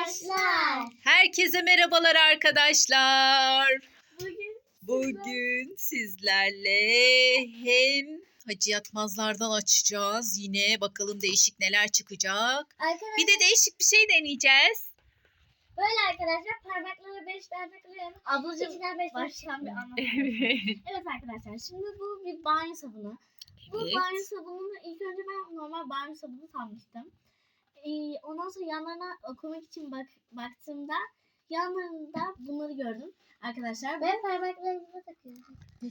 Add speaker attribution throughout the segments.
Speaker 1: arkadaşlar.
Speaker 2: Herkese merhabalar arkadaşlar.
Speaker 1: Bugün
Speaker 2: Sizlerle hem Hacı Yatmazlardan açacağız. Yine bakalım değişik neler çıkacak.
Speaker 1: arkadaşlar
Speaker 2: Bir de değişik bir şey deneyeceğiz.
Speaker 1: böyle arkadaşlar parmakları 5 parmakları ablacığım içinden 5 başlayan bir anlam. Evet arkadaşlar şimdi bu bir banyo sabunu. Bu banyo sabununu ilk önce ben normal banyo sabunu sanmıştım. Ondan sonra yanlarına okumak için baktığımda yanlarında bunları gördüm arkadaşlar. Ve parmaklarımıza takıyoruz.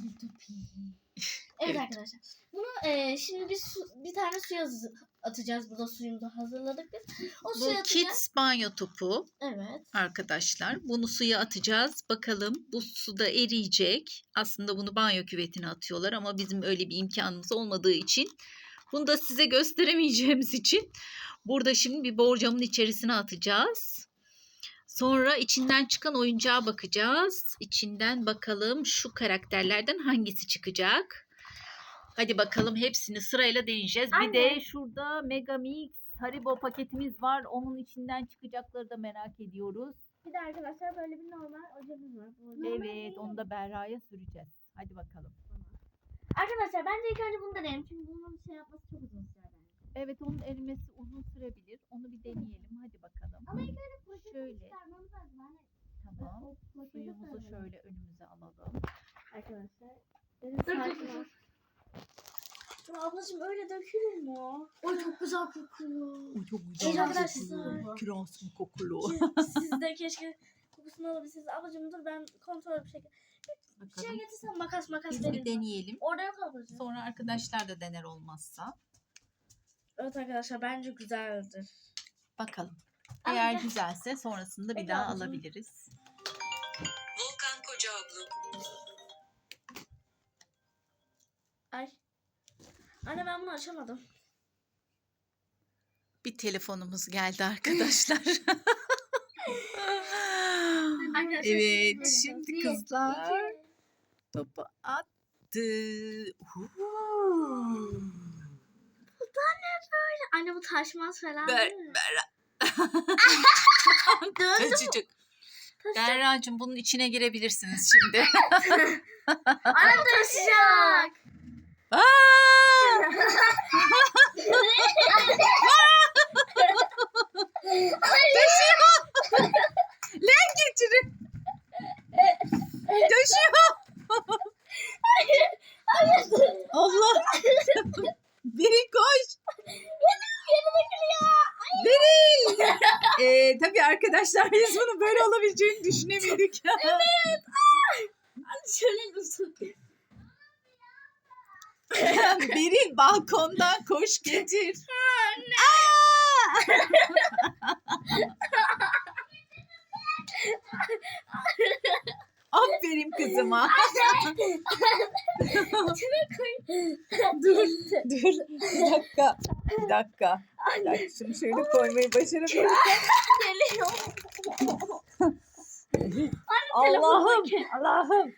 Speaker 1: Evet arkadaşlar. Bunu şimdi biz bir tane suya atacağız. Burada suyumuzu hazırladık biz. O
Speaker 2: Bu
Speaker 1: suya atacağız.
Speaker 2: Kids banyo topu
Speaker 1: Evet.
Speaker 2: arkadaşlar. Bunu suya atacağız. Bakalım bu suda eriyecek. Aslında bunu banyo küvetine atıyorlar ama bizim öyle bir imkanımız olmadığı için bunu da size gösteremeyeceğimiz için burada şimdi bir borcamın içerisine atacağız. Sonra içinden çıkan oyuncağa bakacağız. İçinden bakalım şu karakterlerden hangisi çıkacak. Hadi bakalım hepsini sırayla deneyeceğiz.
Speaker 1: Anne.
Speaker 2: Bir de şurada Megamix Haribo paketimiz var. Onun içinden çıkacakları da merak ediyoruz.
Speaker 1: Bir de arkadaşlar böyle bir normal ojemiz var.
Speaker 2: Evet, onu da Berra'ya süreceğiz. Hadi bakalım.
Speaker 1: Arkadaşlar bence ilk önce bunu deneyelim. Çünkü bunun şey yapması çok uzun sürer bence.
Speaker 2: Evet, onun erimesi uzun sürebilir. Onu bir deneyelim. Hadi bakalım.
Speaker 1: Ama ilk önce poşeti
Speaker 2: Şöyle.
Speaker 1: çıkarmamız lazım. Hani
Speaker 2: Tamam.
Speaker 1: o poşeti
Speaker 2: Suyumuzu
Speaker 1: koyalım.
Speaker 2: şöyle önümüze alalım.
Speaker 1: Arkadaşlar. Dur. Ablacığım öyle dökülür mü o? Oy çok güzel kokuyor.
Speaker 2: O çok
Speaker 1: güzel arkadaşlar.
Speaker 2: Kirasın kokulu.
Speaker 1: Siz de keşke kokusunu alabilseniz. Ablacığım dur ben kontrol bir şekilde. Bir şey getirsen makas
Speaker 2: Biz bir
Speaker 1: vereyim.
Speaker 2: deneyelim.
Speaker 1: Orada yok ablacığım.
Speaker 2: Sonra arkadaşlar da dener olmazsa.
Speaker 1: Evet arkadaşlar bence güzeldir.
Speaker 2: Bakalım.
Speaker 1: Ama
Speaker 2: Eğer
Speaker 1: gel.
Speaker 2: güzelse sonrasında bir
Speaker 1: Peki
Speaker 2: daha
Speaker 1: ablacığım.
Speaker 2: alabiliriz.
Speaker 3: Volkan Kocaoğlu.
Speaker 1: Ay. Anne ben bunu açamadım.
Speaker 2: Bir telefonumuz geldi arkadaşlar.
Speaker 1: Arkadaşlar,
Speaker 2: Evet,
Speaker 1: şimdi
Speaker 2: şimdi
Speaker 1: bir,
Speaker 2: kızlar
Speaker 1: iki.
Speaker 2: topu attı.
Speaker 1: Anne bu taşmaz falan
Speaker 2: Ber,
Speaker 1: değil mi? Döndü.
Speaker 2: Çocuk. Berra'cığım bunun içine girebilirsiniz şimdi.
Speaker 1: Anne taşıyacak.
Speaker 2: Aa! Taşıyor. Lan getirin. Taşıyor. Allah. Biri koş. Biri. Tabii arkadaşlar biz bunu böyle olabileceğini düşünemedik.
Speaker 1: Anne şöyle tutun.
Speaker 2: Biri balkondan koş getir. Aferin kızıma. Dur. Bir dakika. Bir dakika. Şunu şöyle koymayı başarabilirim.
Speaker 1: Geliyor.
Speaker 2: Allah'ım. Allah'ım.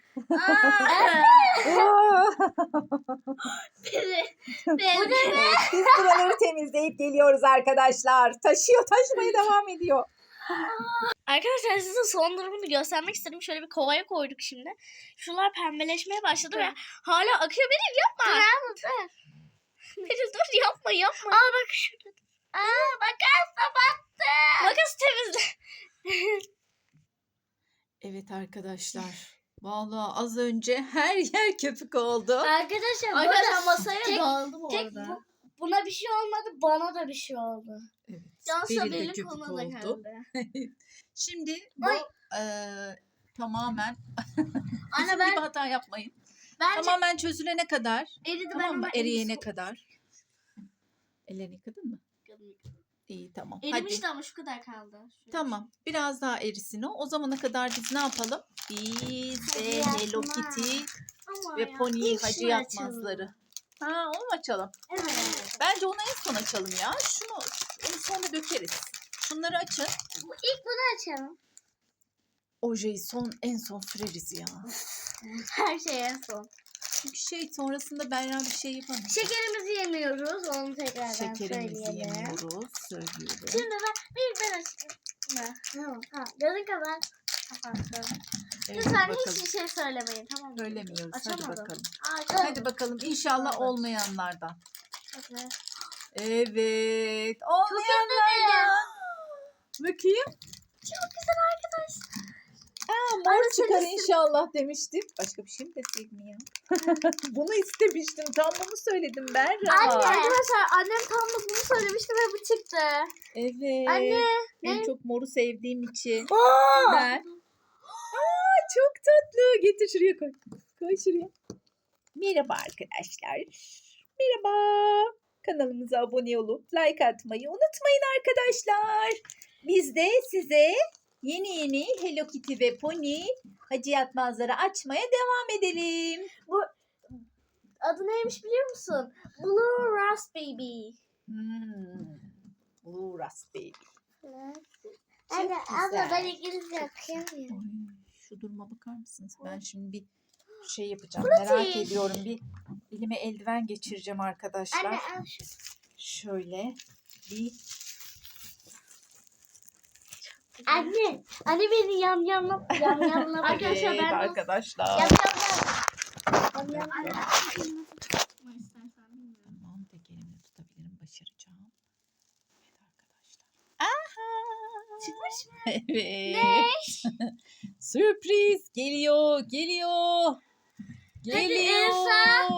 Speaker 2: Biz buraları temizleyip geliyoruz arkadaşlar. Taşımaya devam ediyor.
Speaker 1: Arkadaşlar size son durumunu göstermek istedim. Şöyle bir kovaya koyduk şimdi. Şunlar pembeleşmeye başladı ve hala akıyor. Beril yapma. Dur. Beril dur yapma. Aa bak şurada. Aa makas da battı. Makas temizle.
Speaker 2: Evet arkadaşlar. Vallahi az önce her yer köpük oldu.
Speaker 1: Arkadaşlar masaya
Speaker 2: dağıldı
Speaker 1: orada. Buna bir şey olmadı. Bana da bir şey oldu.
Speaker 2: Evet.
Speaker 1: Cansa
Speaker 2: Beril de
Speaker 1: Beril
Speaker 2: köpük
Speaker 1: koluna da
Speaker 2: oldu.
Speaker 1: geldi.
Speaker 2: Şimdi bu tamamen
Speaker 1: Anne
Speaker 2: bizim
Speaker 1: ben
Speaker 2: gibi hata yapmayın.
Speaker 1: bence
Speaker 2: Tamamen çözülene kadar,
Speaker 1: eridi
Speaker 2: tamam mı?
Speaker 1: ben
Speaker 2: Eriyene kadar. Ellerini yıkadın mı? İyi, tamam. Hadi.
Speaker 1: Erimişti ama şu kadar kaldı. Şöyle.
Speaker 2: Tamam. Biraz daha erisin o. O zamana kadar biz ne yapalım? Biz
Speaker 1: Hacı
Speaker 2: de
Speaker 1: Yatmaz.
Speaker 2: Hello Kitty
Speaker 1: Ama
Speaker 2: ve
Speaker 1: ya,
Speaker 2: Pony'yi
Speaker 1: ilk
Speaker 2: Hacı
Speaker 1: şunu
Speaker 2: Yatmazları. Ha, onu mu açalım?
Speaker 1: Evet.
Speaker 2: Bence onu en son açalım ya. Onu sonra dökeriz. Şunları açın.
Speaker 1: İlk bunu açalım.
Speaker 2: Ojeyi en son süreriz ya.
Speaker 1: Her şey en son.
Speaker 2: Çünkü sonrasında Berra bir şey yapamaz.
Speaker 1: Şekerimizi yemiyoruz. Onu tekrardan
Speaker 2: Şekerimizi
Speaker 1: söyleyelim.
Speaker 2: yemiyoruz. Söylüyorum.
Speaker 1: Şimdi ben açayım. mi? Tamam. Gözün kapat. Kapattım.
Speaker 2: Evet,
Speaker 1: Lütfen
Speaker 2: bakalım.
Speaker 1: hiçbir şey söylemeyin, tamam mı?
Speaker 2: Söylemiyoruz. Hadi
Speaker 1: Açamadım.
Speaker 2: bakalım.
Speaker 1: Açamadım.
Speaker 2: Hadi bakalım. İnşallah
Speaker 1: Evet.
Speaker 2: olmayanlardan.
Speaker 1: Hadi.
Speaker 2: Evet. Olmayanlardan. Bakayım.
Speaker 1: Çok güzel arkadaşlar.
Speaker 2: Mor
Speaker 1: Anne,
Speaker 2: çıkar
Speaker 1: sen
Speaker 2: inşallah demiştim. Başka bir şey mi desek mi ya? Bunu istemiştim. Tam bunu söyledim Berra.
Speaker 1: Anne. Arkadaşlar annem tam da bunu söylemişti ve bu çıktı.
Speaker 2: Evet.
Speaker 1: Anne.
Speaker 2: En
Speaker 1: ne?
Speaker 2: çok moru sevdiğim için.
Speaker 1: Oo!
Speaker 2: Ben. Çok tatlı. Getir şuraya koy. Koy şuraya. Merhaba arkadaşlar. Merhaba. Kanalımıza abone olup like atmayı unutmayın arkadaşlar. Biz de size yeni Hello Kitty ve Pony Hacı Yatmazları açmaya devam edelim.
Speaker 1: Adı neymiş biliyor musun? Blue Raspberry.
Speaker 2: Blue Raspberry.
Speaker 1: Anne, abla ben
Speaker 2: güzel.
Speaker 1: İngilizce okuyamıyorum.
Speaker 2: Şu duruma bakar mısınız? Ben şimdi bir şey yapacağım.
Speaker 1: Pratik.
Speaker 2: Merak ediyorum. Bir elime eldiven geçireceğim arkadaşlar.
Speaker 1: Anne al şu.
Speaker 2: Şöyle bir
Speaker 1: Anne beni yamyamla arkadaşlar
Speaker 2: evet,
Speaker 1: ben
Speaker 2: arkadaşlar.
Speaker 1: yamyamla.
Speaker 2: Tamam, tek elimle tutabilirim. Başaracağım. Evet arkadaşlar. Aha!
Speaker 1: Çıkmış mı?
Speaker 2: Evet. Sürpriz geliyor. Geliyor.
Speaker 1: Elsa.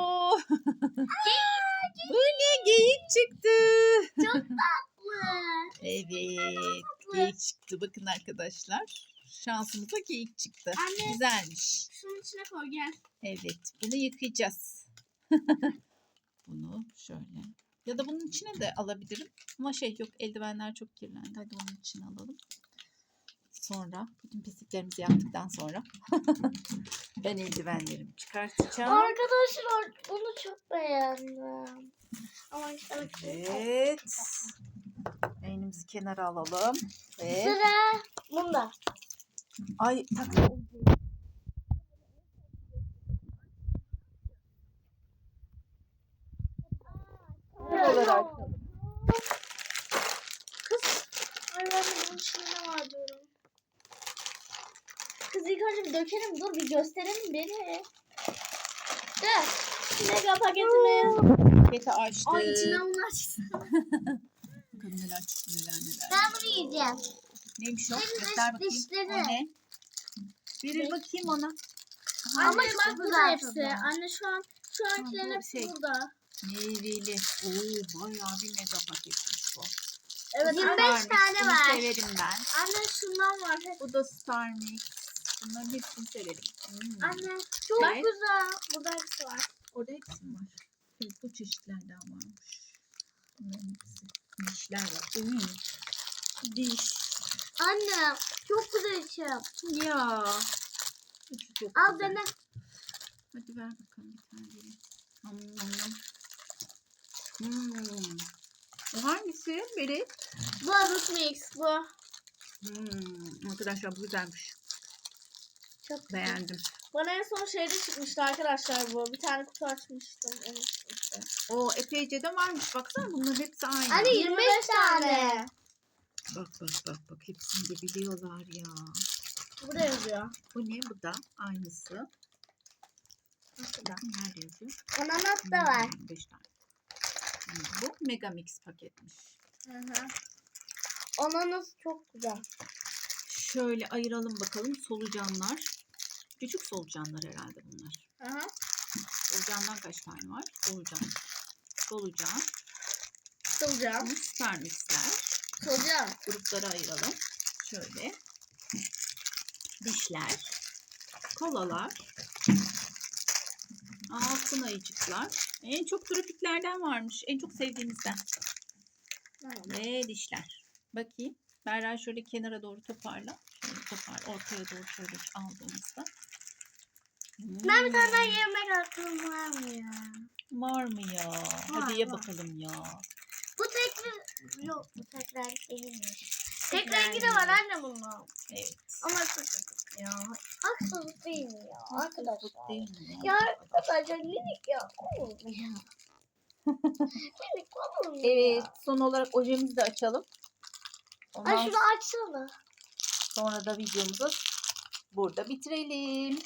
Speaker 2: Bu ne? Geyik çıktı.
Speaker 1: Çok tatlı.
Speaker 2: Evet.
Speaker 1: tatlı.
Speaker 2: Geyik çıktı. Bakın arkadaşlar. Şansımıza geyik çıktı.
Speaker 1: Anne.
Speaker 2: Güzelmiş.
Speaker 1: Şunun içine koy gel.
Speaker 2: Evet. Bunu yıkayacağız. Bunu şöyle. Ya da bunun içine de alabilirim. Ama yok, eldivenler çok kirlendi. Hadi onun içine alalım. Sonra bütün pisliklerimizi yaptıktan sonra ben eldivenlerimi çıkartacağım.
Speaker 1: Arkadaşlar bunu çok beğendim. Ama işte
Speaker 2: Evet. Elimizi kenara alalım. Ve
Speaker 1: sıra bunda.
Speaker 2: ay tak.
Speaker 1: Kız. Ay ben de bunun içinde ne var diyorum. Kız ilk önce bir dökelim. Dur bir gösterelim beni. Dur. Mega paketimiz.
Speaker 2: Paketi açtık.
Speaker 1: Ay içinden bunlar çıktı.
Speaker 2: Bakalım neler çıktı, neler.
Speaker 1: Ben bunu yiyeceğim.
Speaker 2: Neymiş o?
Speaker 1: Benim
Speaker 2: Göster bakayım.
Speaker 1: dişleri.
Speaker 2: O ne? Verir bakayım ona.
Speaker 1: Ama
Speaker 2: Hangisi?
Speaker 1: bak burada hepsi. Anne şu ankilerin
Speaker 2: bu
Speaker 1: hepsi
Speaker 2: şey.
Speaker 1: burada.
Speaker 2: Meyveli. Oo, bayağı bir mega paketmiş bu.
Speaker 1: Evet, 25
Speaker 2: Star Mix,
Speaker 1: tane
Speaker 2: bunu
Speaker 1: var.
Speaker 2: severim ben.
Speaker 1: Anne şundan var.
Speaker 2: Bu da Star Mix. Bunların hepsini severim.
Speaker 1: Anne çok
Speaker 2: Evet.
Speaker 1: güzel. Burada hepsi var.
Speaker 2: Orada hepsi mi var? Evet, bu çeşitlerden varmış. Bunların hepsi. Dişler var. Diş.
Speaker 1: Anne çok güzel içim.
Speaker 2: Ya. Hepsi çok
Speaker 1: Al
Speaker 2: güzel.
Speaker 1: dene.
Speaker 2: Hadi ver bakalım bir tane vereyim. Hmm. Bu hangisi? Beri.
Speaker 1: Bu Adult Mix bu.
Speaker 2: Arkadaşlar bu güzelmiş.
Speaker 1: Çok
Speaker 2: Beğendim.
Speaker 1: Bana en son şeyde çıkmıştı arkadaşlar bu. Bir tane kutu açmıştım.
Speaker 2: O epeyce de varmış. Baksana bunların hepsi aynı.
Speaker 1: Anne 25 tane.
Speaker 2: Bak. Hepsini de biliyorlar ya.
Speaker 1: Burada yazıyor.
Speaker 2: Bu ne? Bu da aynısı. Bakın nerede yazıyor?
Speaker 1: Ananas da var.
Speaker 2: 5 tane. Bu Mega Mix paketmiş.
Speaker 1: Ananas çok güzel.
Speaker 2: Şöyle ayıralım bakalım solucanlar. Küçük solucanlar herhalde bunlar. Solucandan kaç tane var? Solucan.
Speaker 1: Solucan.
Speaker 2: Star Mix'ler.
Speaker 1: Solucan.
Speaker 2: Gruplara ayıralım. Şöyle. Dişler. Kolalar. Altın ayıcıklar. En çok tropiklerden varmış. En çok sevdiğimizden. Ve dişler. Bakayım. Berra şöyle kenara doğru toparla. Şöyle ortaya doğru şöyle aldığımızda.
Speaker 1: Ben bir tane daha yemek hakkım var mı ya?
Speaker 2: Var mı ya? Hadi ye bakalım ya.
Speaker 1: Bu tek bir... Yok bu tek renk değilmiş. Tek rengi de var anne bunun.
Speaker 2: Evet.
Speaker 1: Ama haksızlık ya. Haksızlık değil mi ya arkadaşlar?
Speaker 2: Değil mi?
Speaker 1: Ya arkadaşlar minik ya. Olur mu ya? Minik olur mu
Speaker 2: Evet.
Speaker 1: ya?
Speaker 2: Son olarak ojemizi de açalım. Ondan
Speaker 1: Ay şunu açsana.
Speaker 2: sonra da videomuzu burada bitirelim.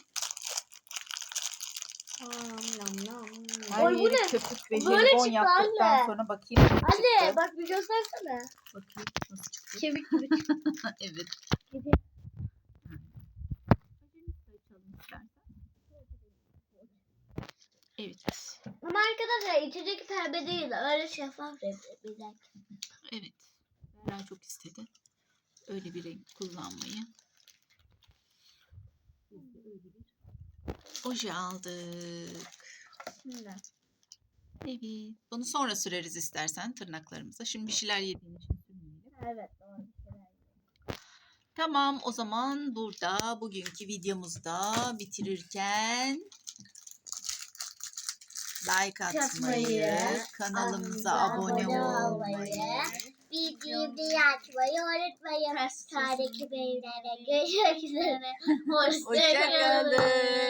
Speaker 2: Her
Speaker 1: Oy, bu
Speaker 2: yeri
Speaker 1: ne?
Speaker 2: köpük ve
Speaker 1: Böyle
Speaker 2: jelibon
Speaker 1: çıktı
Speaker 2: yaptıktan
Speaker 1: anne.
Speaker 2: sonra bakayım nasıl
Speaker 1: Anne
Speaker 2: çıktı.
Speaker 1: bak bir göstersene.
Speaker 2: Bakayım nasıl çıktı.
Speaker 1: Kemik gibi çıktı.
Speaker 2: Evet.
Speaker 1: Gibi.
Speaker 2: Evet.
Speaker 1: Ama arkadaşlar içecek pembe değil. Öyle şeffaf bir renk.
Speaker 2: Evet. Berra çok istedi. Öyle bir renk kullanmayı. Biz de öyle bir oje aldık.
Speaker 1: Şimdi.
Speaker 2: Evet. Bunu sonra süreriz istersen tırnaklarımıza. Şimdi bir şeyler yediğin için sürmeyelim.
Speaker 1: Evet doğru.
Speaker 2: Tamam, o zaman burada bugünkü videomuzda bitirirken like atmayı, kanalımıza abone olmayı,
Speaker 1: videoyu açmayı unutmayın. Sağdaki bölümlerde görüşmek üzere. Hoşça kalın.
Speaker 2: hoşça kalın.